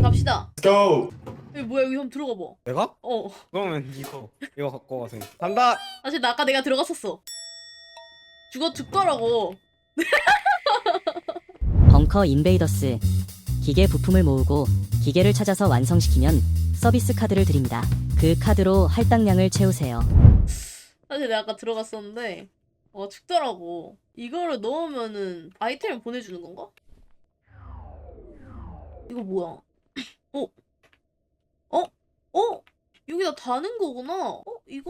갑시다. Let's go. 여기 뭐야? 여기 한번 들어가 봐. 내가? 어. 그러면 이거 갖고 가세요. 간다. 사실 나 아까 내가 들어갔었어. 죽더라고. 벙커 인베이더스. 기계 부품을 모으고 기계를 찾아서 완성시키면 서비스 카드를 드립니다. 그 카드로 할당량을 채우세요. 사실 내가 아까 들어갔었는데 죽더라고. 이거를 넣으면은 아이템을 보내주는 건가? 이거 뭐야? 어? 어? 어? 여기다 다는 거구나. 이거?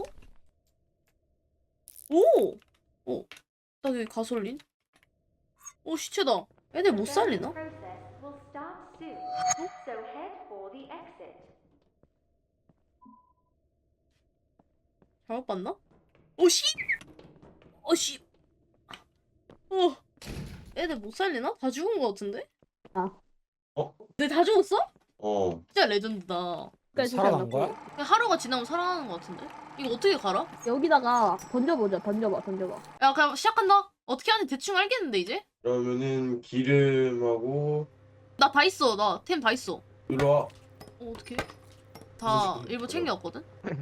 오! 나 여기 가솔린? 시체다. 애들 못 살리나? 잘못 봤나? 씨! 씨! 애들 못 살리나? 다 죽은 거 같은데? 네, 다 죽었어? 진짜 레전드다. 살아난 거야? 그냥 하루가 지나면 살아나는 거 같은데? 이거 어떻게 갈아? 여기다가 던져보자. 던져봐. 야, 그냥 시작한다? 어떻게 하는지 대충 알겠는데, 이제? 그러면은 기름하고 나 다 있어. 나 템 다 있어. 이리 와. 어떡해? 다 일부 챙겨왔거든?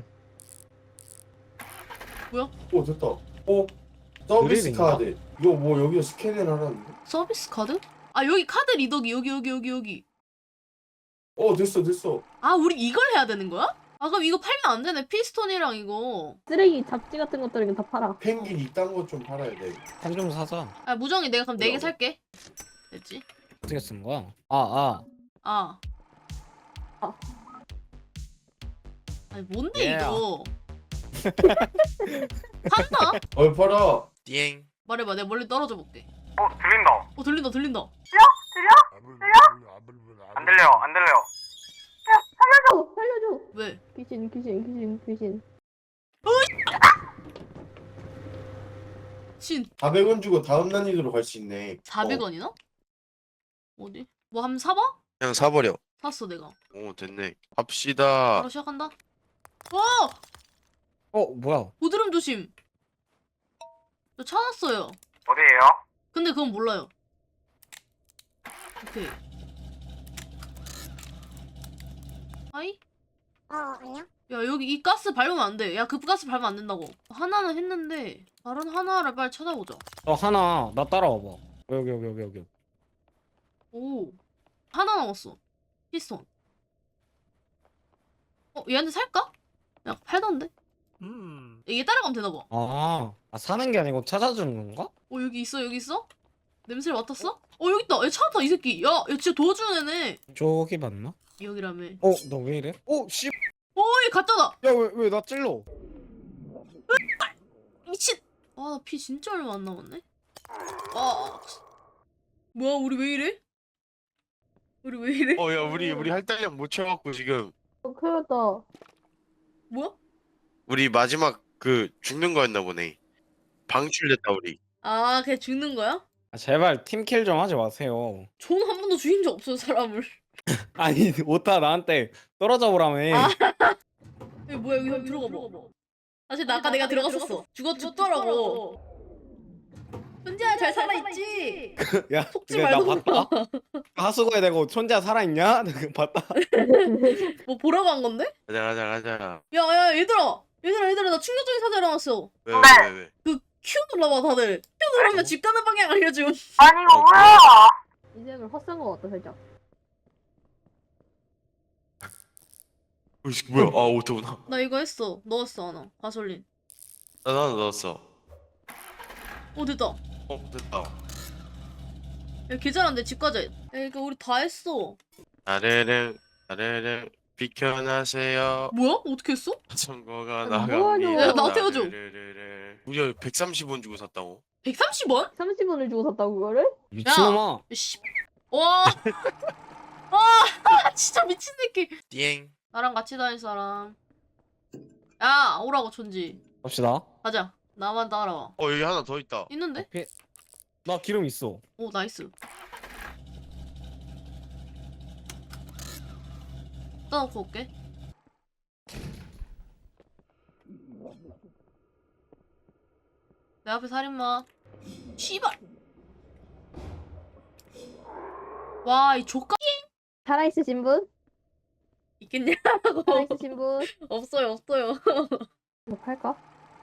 뭐야? 됐다. 서비스 드릴인가? 카드. 이거 뭐 여기서 스캔을 하라는데? 서비스 카드? 아, 여기 카드 리더기. 여기. 됐어. 아, 우리 이걸 해야 되는 거야? 아, 그럼 이거 팔면 안 되네. 피스톤이랑 이거. 쓰레기 잡지 같은 것들은 다 팔아. 펭귄 이딴 거 좀 팔아야 돼. 한 좀 사자. 아, 무정이 내가 그럼 4개 살게. 됐지? 어떻게 쓴 거야? 아. 아. 아니, 뭔데, Yeah. 이거? 판다? 팔아. 띠엥. 말해봐. 내가 멀리 떨어져 볼게. 들린다. 들린다. 안 들려요. 살려줘. 왜? 귀신. 신 400원 주고 다음 난이도로 갈 수 있네. 400원이나? 어디? 뭐 한번 사봐? 그냥 사버려. 샀어 내가. 오 됐네. 갑시다. 바로 시작한다. 뭐야? 고드름 조심. 저 찾았어요. 어디에요? 근데 그건 몰라요. 오케이. 하이? 안녕. 야, 여기 이 가스 밟으면 안 돼. 야, 그 가스 밟으면 안 된다고. 하나는 했는데 다른 하나를 빨리 찾아보자. 하나 나 따라와봐. 여기. 오, 하나 남았어. 피스톤. 얘한테 살까? 야, 팔던데? 얘 따라가면 되나봐. 사는 게 아니고 찾아주는 건가? 여기 있어? 냄새를 맡았어? 여기 있다. 얘 찾았다, 이 새끼. 야, 얘 진짜 도와주는 애네. 저기 맞나? 여기라며. 너 왜 이래? 씨. 얘 가짜다. 야, 왜 나 찔러? 미친. 나 피 진짜 얼마 안 남았네. 뭐야, 우리 왜 이래? 야 우리 할당량 못 채워갖고 지금 큰일 났다. 뭐야? 우리 마지막 그 죽는 거였나 보네. 방출됐다 우리. 아, 걔 죽는 거야? 제발 팀킬 좀 하지 마세요. 저는 한 번도 죽인 적 없어요, 사람을. 아니 오타 나한테 떨어져 보라며. 여기 뭐야, 여기 한번 들어가 봐. 사실 나 아까 내가 들어갔었어. 죽더라고. 혼자 잘 살아있지? 야, 속지 근데 나 말고 봤다. 하수구에 대고 혼자 살아있냐? 나 그거 봤다. 뭐 보라고 한 건데? 가자. 야, 얘들아, 나 충격적인 사실 일어났어. 왜? 그 Q 눌러봐, 다들. Q 누르면 집 가는 방향 알려줌. 아니 이거 뭐야? 이제는 헛산 것 같다 살짝. 뭐야? 오토구나. 나 이거 했어. 넣었어, 하나. 가솔린. 나도 넣었어. 됐다. 됐다. 야, 개 잘한데, 집 가자. 야, 그러니까 우리 다 했어. 아래랭 비켜나세요. 뭐야? 어떻게 했어? 선거가 뭐하냐. 나갑니다. 야, 나 태워줘. 우리 130원 주고 샀다고? 130원? 30원을 주고 샀다고 그거를? 미친놈아. 씨. 와. 진짜 미친 새끼. 띠엥. 나랑 같이 다닐 사람. 야, 오라고, 촌지. 갑시다. 가자. 나만 따라와. 여기 하나 더 있다. 있는데? 나 기름 있어. 나이스. 떠놓고 올게. 내 앞에 살인마. 씨발. 와, 이 조까. 살아있으신 분? 있겠냐고. 하나 있으신 분? 없어요 없어요. 이거 팔까?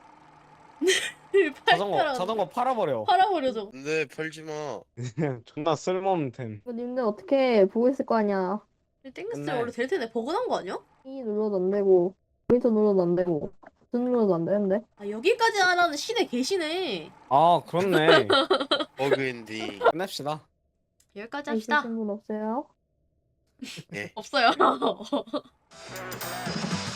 자전거 팔아버려. 팔아버려줘. 근데 팔지 마. 존나 쓸모없는 템. 이거 님들 어떻게 보고 있을 거 아니야. 땡겼을 때 끝내. 원래 될 텐데 버그난 거 아니야? 이 눌러도 안 되고 모니터 눌러도 안 되고 버튼 눌러도 안 되는데. 아 여기까지 하라는 신에 계시네. 아 그렇네. 버그인디. 끝냅시다. 여기까지 합시다. 있으신 분 없어요? 예. 없어요.